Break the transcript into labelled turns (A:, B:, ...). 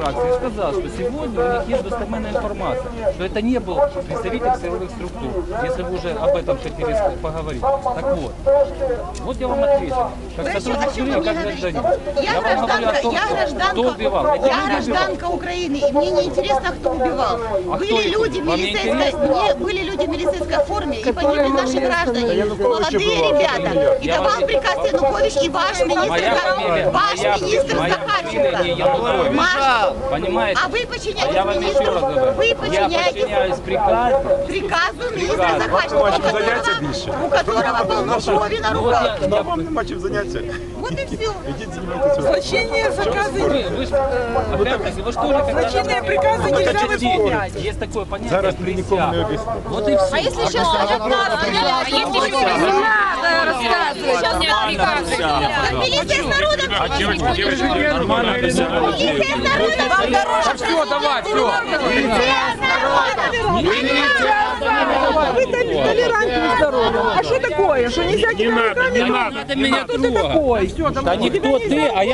A: фракции сказал, что сегодня у них есть достоверная информация, что это не был представитель силовых структур, если вы уже об этом хотели поговорить. Так вот я вам ответил. Как сотрудник жюри, как гражданин. Я вам говорю о том, кто убивал.
B: Я гражданка Украины, и мне не интересно, кто убивал. Были люди в милицейской форме, и погибли наши граждане, молодые ребята. И давал приказ Янукович и ваш министр Захарченко.
A: Понимаете?
B: А вы подчиняетесь
A: я вам еще раз говорю.
B: Вы
A: подчиняюсь
B: приказу министра Захарченко, у которого полнокровие на руках.
C: Вам нема чим заняться.
B: Вот и все.
C: Ідіть займайтеся.
D: Злочинные заказы.
A: Вы что ли,
D: Злочинные приказы нельзя выполнять.
A: есть такое понятие.
C: Зараз ми нікому не об'яснимо.
A: Вот и все.
B: А если сейчас скажут нас,
E: Не надо рассказывать. Сейчас не отвлекаться.
B: милиция с народом,
A: Нормально.
B: милиция с народом, вам дороже.
D: Все, давай, все. Вы толерантны здоровья. А что такое? Что нельзя тебя руками?
A: Не надо меня трогать.
D: Такой. Все,
A: Да никто ты, а я